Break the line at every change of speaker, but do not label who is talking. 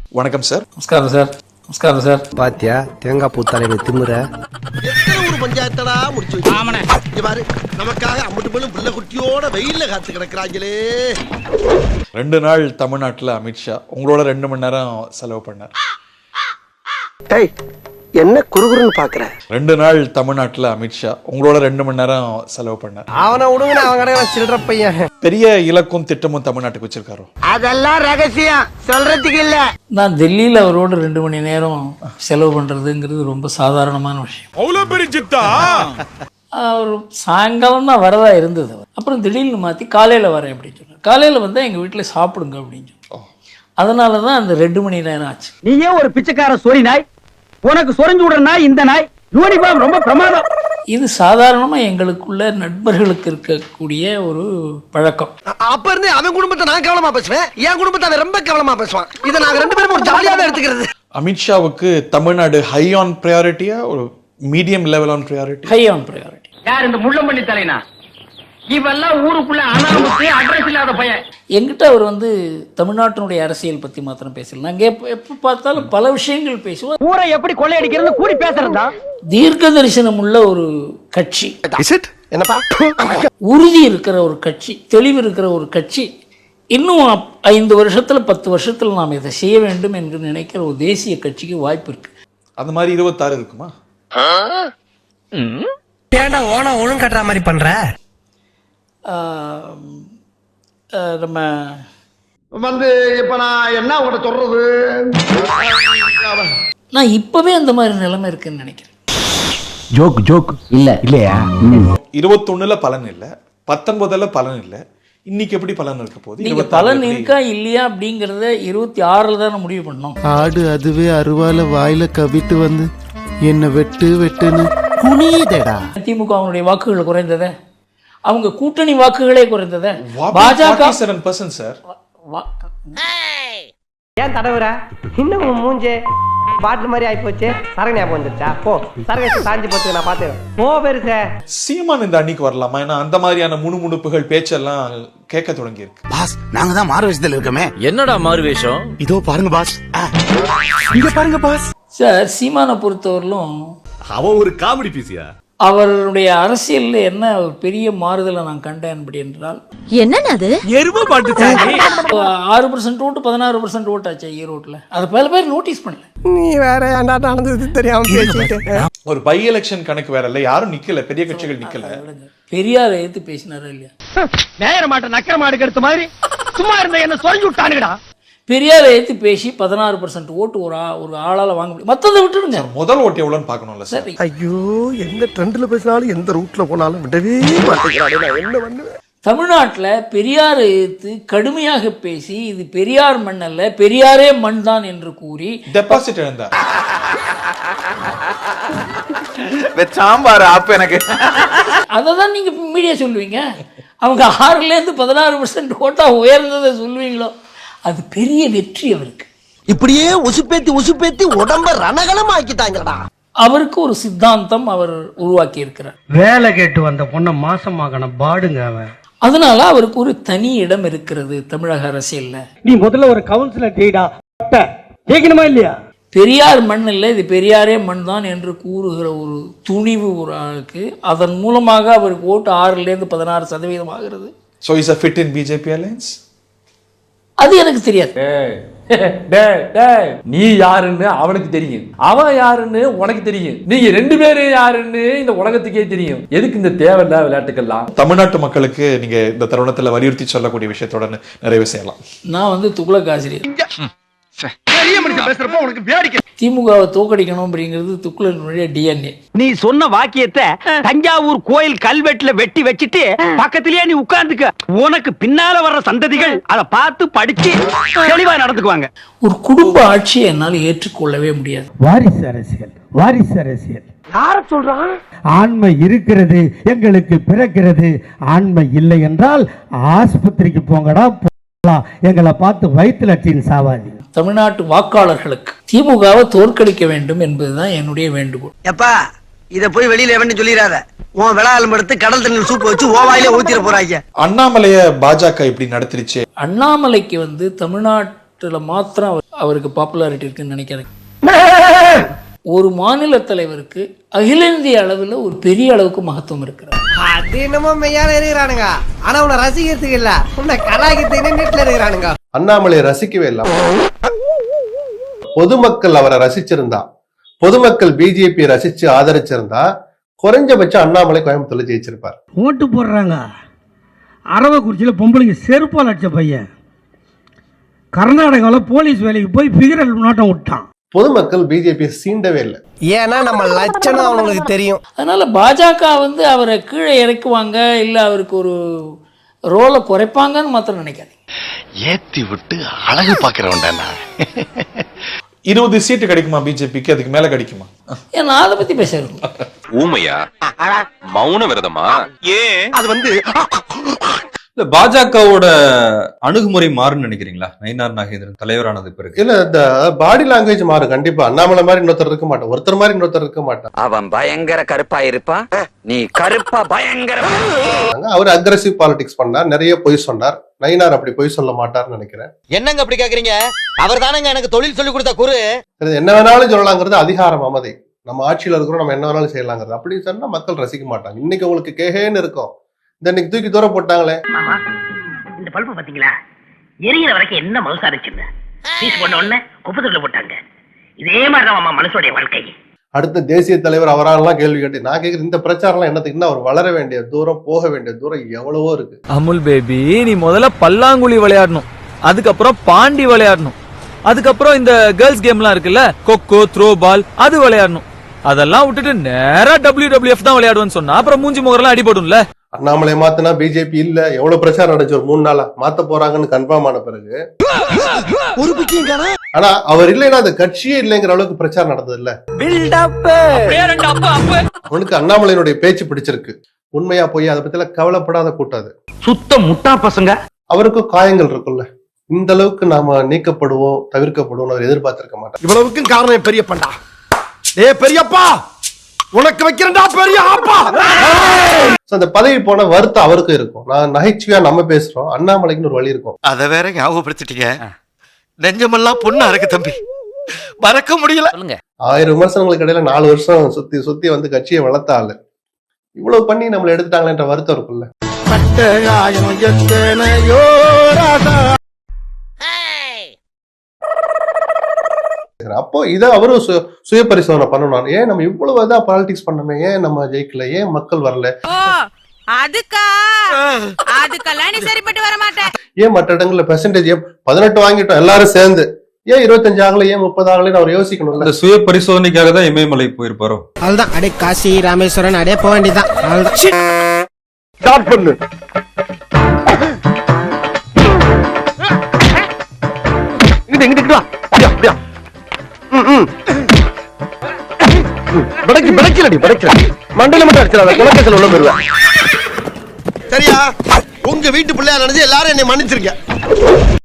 வணக்கம் சார்.
நமஸ்காரம் சார். நமஸ்காரம் சார்.
பாத்தியா தேங்காய் பூ தலையில திமுற
ஒரு பஞ்சாயத்தடா முடிச்சு வச்சு பாரு, நமக்காக அம்மட்டு போலும் பிள்ளை குட்டியோட வெயில்ல காத்து கிடக்குறாங்களே.
2 நாள் தமிழ்நாட்டில் அமித்ஷா உங்களோட 2 மணி நேரம் செலவு பண்ணார்.
என்ன குறுகுறுன்னு பாக்குற?
2 நாள் தமிழ்நாட்டில் அமித்ஷா உங்களோட 2 மணி நேரம் செலவு பண்ணார்.
அவனை விடுங்க, அவன் கடை சில்லற பையன்.
பெரிய இலக்கும் திட்டமும் தமிழ்நாட்டுக்கு வச்சிருக்காரோ?
அதெல்லாம் ரகசியம் சொல்றதுக்கு இல்ல.
நான் டெல்லியில் அவரோட 2 மணி நேரம் செலவு பண்ணுறதுங்கிறது ரொம்ப சாதாரணமான விஷயம். அவர் சாயங்காலம் தான் வரதா இருந்தது. அப்புறம் திடீர்னு மாற்றி காலையில் வரேன் அப்படின்னு சொன்னார். காலையில் வந்தால் எங்கள் வீட்டில் சாப்பிடுங்க அப்படின்னு சொன்னார். அதனால தான் அந்த 2 மணி நேரம் ஆச்சு.
நீயே ஒரு பிச்சைக்கார சொறி நாய், உனக்கு சொரிஞ்சு விடுற நாய் இந்த நாய். யூனிஃபார்ம் ரொம்ப பிரமாதம்.
இது சாதாரணமாக எங்களுக்குள்ள நண்பர்களுக்கு இருக்கக்கூடிய ஒரு பழக்கம்.
அப்ப இருந்து அவன் குடும்பத்தை நான் கவனமா பேசுவேன், என் குடும்பத்தை அவன் ரொம்ப கவனமா பேசுவான். இதை நாங்க 2 பேரும் ஒரு ஜாலியாவே எடுத்துக்கிறது.
அமித்ஷாவுக்கு தமிழ்நாடு ஹை ஆன் ப்ரையாரிட்டியா ஒரு மீடியம் லெவல் ஆன் ப்ரையாரிட்டி?
ஹை ஆன் ப்ரையாரிட்டி.
யார் இந்த முள்ளம்பள்ளி தலைனா? இவெல்லாம் ஊருக்குள்ள அனாமத்து அட்ரஸ் இல்லாத பையன்.
எங்கிட்ட அவர் தமிழ்நாட்டினுடைய அரசியல் பற்றி மாத்திரம் பேசல. நாங்கள் எப்போ பார்த்தாலும் பல விஷயங்கள் பேசுவோம்.
ஊரை எப்படி கொள்ளையடிக்கிறது கூடி பேசுறதா? தீர்க்க
தரிசனம் உள்ள ஒரு கட்சி,
என்னப்பா
உறுதி இருக்கிற ஒரு கட்சி, தெளிவு இருக்கிற ஒரு கட்சி. இன்னும் 5 வருஷத்துல 10 வருஷத்துல நாம் இதை செய்ய வேண்டும் என்று நினைக்கிற ஒரு தேசிய கட்சிக்கு வாய்ப்பு இருக்கு.
அந்த மாதிரி 26 இருக்குமா?
ஏன்டா ஓனா ஒழுங்கு கட்டுற மாதிரி பண்ற?
நம்ம
இப்ப நான் என்ன உங்கள்கிட்ட சொல்றது,
நான் இப்பவே அந்த மாதிரி நிலைமை இருக்குன்னு நினைக்கிறேன்.
ஜோக் இல்லையா?
21ல பலன் இல்ல, 19ல பலன் இல்ல, இன்னைக்கு எப்படி பலன் இருக்க போகுது?
நீங்க பலன் இருக்கா இல்லையா அப்படிங்கறத 26ல தான் முடிவு பண்ணோம்.
ஆடு அதுவே அருவால வாயில கவிட்டு வந்து என்ன வெட்டுன்னு குனியுதேடா.
திமுக அவனுடைய வாக்குகள் குறைந்ததே, அவங்க கூட்டணி வாக்குகளே குறைந்ததே.
பாஜக 47% சார்.
ஏன் தடவுற? இன்னும் மூஞ்சே பாட்டில் மாதிரி ஆகி போச்சு. சரகு ஞாபகம் வந்துருச்சா? போ சரகு சாஞ்சி போச்சு, நான் பாத்துக்கிறேன். போ பெருசே.
சீமான் இந்த அன்னைக்கு வரலாமா? ஏன்னா அந்த மாதிரியான முணுமுணுப்புகள் பேச்செல்லாம் கேட்க தொடங்கி இருக்கு.
பாஸ், நாங்க தான் மாறு வேஷத்துல இருக்கோமே.
என்னடா மாறு வேஷம்?
இதோ பாருங்க பாஸ், இங்க பாருங்க பாஸ்.
சார், சீமானை பொறுத்தவரையிலும்
அவன் ஒரு காமெடி பீஸியா?
அவருடைய அரசியல்ல என்ன ஒரு பெரிய மாறுதலை நான் கண்டேன் அப்படி என்றால்,
என்னது
எருமை பாட்டு
6% ஓட்டு 16% ஓட்டு ஆச்சு ஈரோட்டில். அதை பல பேர் நோட்டீஸ் பண்ணல.
நீ வேற ஏன்டா நடந்தது தெரியாம பேசிட்டு.
ஒரு பை எலெக்ஷன் கணக்கு வேற இல்ல, யாரும் நிக்கல, பெரிய கட்சிகள் நிக்கல.
பெரியாரை எடுத்து பேசினாரா இல்லையா?
நேர மாட்ட நக்கர மாடு கெடுத்த மாதிரி சும்மா இருந்த என்ன சொல்லி விட்டானுங்கடா.
பெரியாரை எடுத்து பேசி 16% ஓட்டு ஒரு ஆளால வாங்க முடியும். மற்றதை விட்டுடுங்க.
முதல் ஓட்டு எவ்வளோன்னு பார்க்கணும்ல சார்.
ஐயோ, எந்த ட்ரெண்ட்ல பேசினாலும் எந்த ரூட்ல போனாலும் விடவே மாட்டேங்கிறானே. என்ன பண்ணுவேன்?
தமிழ்நாட்டில் பெரியாரை எடுத்து கடுமையாக பேசி இது பெரியார் மண் அல்ல, பெரியாரே மண் தான் என்று கூறி
டெபாசிட் இழந்தார்.
சாம்பார் அப்ப எனக்கு
அதை தான் நீங்க மீடியா சொல்லுவீங்க. அவங்க 6லேருந்து 16% ஓட்டா உயர்ந்ததை சொல்லுவீங்களோ, அது பெரிய வெற்றி அவருக்கு.
இப்படியே உசுப்பேத்தி உடம்ப ரணகலம் ஆக்கிட்டாங்கடா.
அவருக்கு ஒரு சித்தாந்தம் அவர் உருவாக்கி இருக்கிறார்.
வேலை கேட்டு வந்த பொண்ணை மாசமாகணும் பாடுங்க அவன்.
அதனால அவருக்கு ஒரு தனி இடம் இருக்கிறது தமிழக அரசியல்ல.
நீ முதல்ல ஒரு கவுன்சிலர் டீடா கேட்கணுமா இல்லையா?
பெரியார் மண் இல்லை, இது பெரியாரே மண் தான் என்று கூறுகிற ஒரு துணிவு ஒரு ஆளுக்கு, அதன் மூலமாக அவருக்கு ஓட்டு 6லேருந்து 16% ஆகிறது.
So is a fit in BJP alliance?
அது எனக்கு தெரியாது.
நீ யாருன்னு அவனுக்கு தெரியும், அவன் யாருன்னு உனக்கு தெரியும், நீங்க 2 பேரும் யாருன்னு இந்த உலகத்துக்கே தெரியும். எதுக்கு இந்த தேவையில்ல விளையாட்டுக்கெல்லாம்?
தமிழ்நாட்டு மக்களுக்கு நீங்க இந்த தருணத்துல வலியுறுத்தி சொல்லக்கூடிய விஷயத்தோட நிறைவு செய்யலாம்.
நான் துக்ளக் ஆசிரியர். திமுகவை தோக்கடிக்கணும் அப்படிங்கிறது துக்ளக்கினுடைய DNA.
நீ சொன்ன வாக்கியத்தை தஞ்சாவூர் கோயில் கல்வெட்டுல வெட்டி வச்சிட்டு பக்கத்திலேயே நீ உட்கார்ந்துக்க. உனக்கு பின்னால வர்ற சந்ததிகள் அதை பார்த்து படிச்சு தெளிவா நடந்துக்குவாங்க.
ஒரு குடும்ப ஆட்சியை என்னால் ஏற்றுக்கொள்ளவே முடியாது.
வாரிசு அரசியல்
யார சொல்றான்?
ஆண்மை இருக்கிறது, எங்களுக்கு பிறக்கிறது. ஆண்மை இல்லை என்றால் ஆஸ்பத்திரிக்கு போங்கடா, எங்களை பார்த்து வயிற்று லட்சியம் சாவாதி.
தமிழ்நாட்டு வாக்காளர்களுக்கு திமுகவை தோற்கடிக்க வேண்டும் என்பதுதான் என்னுடைய வேண்டுகோள்.
எப்பா, இத போய் வெளியில எவன்னு சொல்லிடாத. உன் விளாலம் எடுத்து கடல் தண்ணி சூப்பு வச்சு ஓவாயிலே ஊத்திர போறாங்க.
அண்ணாமலைய பாஜக இப்படி நடத்திருச்சு.
அண்ணாமலைக்கு தமிழ்நாட்டுல மாத்திரம் அவருக்கு பாப்புலாரிட்டி இருக்குன்னு நினைக்கிறேன். ஒரு மாநில தலைவருக்கு அகில இந்திய அளவில் ஒரு பெரிய அளவுக்கு மகத்துவம் இருக்கிறார்.
அது என்னமோ மெய்யால இருக்கிறானுங்க, ஆனா உன்னை ரசிக்கிறதுக்கு இல்ல, உன்னை கலாய்க்கிறதுக்கு வீட்டுல இருக்கிறானுங்க.
அண்ணாமலை ரசிக்கவே இல்லை. பொதுமக்கள் அவரை ரசிச்சிருந்தா, பொதுமக்கள் பிஜேபி ரசிச்சு ஆதரிச்சிருந்தா குறைஞ்சபட்சம் அண்ணாமலை கோயம்புத்தூர்ல ஜெயிச்சிருப்பார்.
ஓட்டு போடுறாங்க. அரவக்குறிச்சியில் பொம்பளைங்க செருப்பால் அடிச்ச பையன் கர்நாடகாவில் போலீஸ் வேலைக்கு போய் பிகரல் நோட்டம் விட்டான்.
பொதுமக்கள் பிஜேபி சீண்டவே இல்லை.
ஏன்னா நம்ம லட்சணம் அவங்களுக்கு தெரியும்.
அதனால பாஜக வந்து அவரை கீழே இறக்குவாங்க, இல்லை அவருக்கு ஒரு ரோலை குறைப்பாங்கன்னு மாத்திரம் நினைக்காதீங்க.
ஏத்தி விட்டு அழகு பாக்குறவன்டா.
20 சீட்டு கிடைக்குமா பிஜேபிக்கு? அதுக்கு மேல கிடைக்குமா?
ஏன் நான் அதை பத்தி பேசுறேன்.
ஊமையா? மௌன விரதமா? ஏன்
அது வந்து
இல்ல பாஜகவோட அணுகுமுறை மாறுன்னு நினைக்கிறீங்களா? நயினார் நாகேந்திரன் தலைவரானது பிறகு
இல்ல, இந்த பாடி லாங்குவேஜ் மாறும் கண்டிப்பா. அண்ணாமலை மாதிரி இன்னொருத்தர் இருக்க மாட்டான், ஒருத்தர் மாதிரி இன்னொருத்தர் இருக்க மாட்டான்.
அவன் பயங்கர கருப்பா இருப்பான், நீ கருப்பா பயங்கர.
அவர் அக்ரெசிவ் பாலிடிக்ஸ் பண்ணார், நிறைய பொய் சொன்னார். நயினார் அப்படி பொய் சொல்ல மாட்டார்னு நினைக்கிறேன்.
என்னங்க அப்படி கேக்குறீங்க? அவர் தானங்க எனக்கு தொழில் சொல்லி கொடுத்த குரு.
என்ன வேணாலும் சொல்லலாங்கிறது அதிகாரம் மமதை. நம்ம ஆட்சியில இருக்கிறோம், நம்ம என்ன வேணாலும் செய்யலாங்கிறது. அப்படி சொன்னா மக்கள் ரசிக்க மாட்டாங்க. இன்னைக்கு உங்களுக்கு கேஹேன்னு இருக்கும், இந்த இன்னைக்கு தூக்கி தூர போட்டாங்களே.
இந்த பல்பு பாத்தீங்களா, எரியிற வரைக்கும் என்ன மவுசா இருந்துச்சு, பீஸ் போட்ட உடனே குப்பத்துல போட்டாங்க. இதே மாதிரிதான் மனசுடைய வாழ்க்கை.
அடுத்த தேசிய தலைவர் அவராலாம் கேள்வி கேட்டு நான் கேட்கிறேன், இந்த பிரச்சாரம் என்னத்துக்கு? இன்னும் அவர் வளர வேண்டிய தூரம், போக வேண்டிய தூரம் எவ்வளவோ இருக்கு.
அமுல் பேபி, நீ முதல்ல பல்லாங்குழி விளையாடணும், அதுக்கப்புறம் பாண்டி விளையாடணும், அதுக்கப்புறம் இந்த கேர்ள்ஸ் கேம்லாம் இருக்குல்ல, கொக்கோ, த்ரோ பால், அது விளையாடணும். அதெல்லாம் விட்டுட்டு நேரா WWF தான் விளையாடுவேன்னு சொன்னா அப்புறம் மூஞ்சி முகரெல்லாம் அடிபடும்ல.
அண்ணாமலை மாத்தினா பிஜேபி இல்ல, எவ்வளவு பிரச்சாரம் நடந்துச்சு ஒரு 3 நாளா. மாத்த போறாங்கன்னு கன்ஃபார்ம் ஆன பிறகு ஆனா அவர் இல்லைன்னா அந்த கட்சியே இல்லைங்கிற அளவுக்கு பிரச்சாரம் நடந்தது இல்ல. அவனுக்கு அண்ணாமலையினுடைய பேச்சு பிடிச்சிருக்கு. உண்மையா போய் அதை பத்தி கவலைப்படாத கூட்டாது.
சுத்த முட்டா பசங்க.
அவருக்கும் காயங்கள் இருக்குல்ல. இந்த அளவுக்கு நாம நீக்கப்படுவோம், தவிர்க்கப்படுவோம் அவர் எதிர்பார்த்திருக்க மாட்டார்.
இவ்வளவுக்கும் காரணம் பெரியப்பா. ஏ பெரியப்பா, உனக்கு வைக்கிறேன்டா பெரிய ஆப்பா.
அந்த பதவி போன வருத்தம் அவருக்கும் இருக்கும். நான் நகைச்சுவையா நம்ம பேசுறோம், அண்ணாமலைக்குன்னு ஒரு வழி இருக்கும்.
அத வேற ஞாபகப்படுத்திட்டீங்க. நெஞ்சமெல்லாம் பொண்ணா இருக்கு தம்பி, மறக்க முடியல.
1000 விமர்சனங்களுக்கு இடையில 4 வருஷம் சுத்தி சுத்தி வந்து கட்சியை வளர்த்த ஆளு இவ்வளவு பண்ணி நம்மளை எடுத்துட்டாங்களேன்ற வருத்தம் இருக்குல்ல. அப்போ இதை அவரும் சுய பரிசோதனை பண்ணணும். ஏன் நம்ம இவ்வளவு தான் பாலிடிக்ஸ் பண்ணமே, ஏன் நம்ம ஜெயிக்கல, ஏன் மக்கள் வரல, ஏன் மற்ற இடங்கள்ல பெர்சன்டேஜ் 18 வாங்கிட்டோம் எல்லாரும் சேர்ந்து, ஏன் 25 ஆகல, ஏன் 30 ஆகலன்னு அவர் யோசிக்கணும்.
இந்த சுய பரிசோதனைக்காக தான் இமயமலை போயிருப்பாரோ.
அதுதான் அடே காசி ராமேஸ்வரன் அடே போக வேண்டியதான்.
ஸ்டார்ட் பண்ணு. இங்கிட்டு வா. அப்படியா மண்டல மட்டும் அடிச்சிடாத, குலக்கேசல் உள்ள போயிருவேன். சரியா? உங்க வீட்டு பிள்ளையா நினைச்சு எல்லாரும் என்னை மன்னிச்சிருக்க.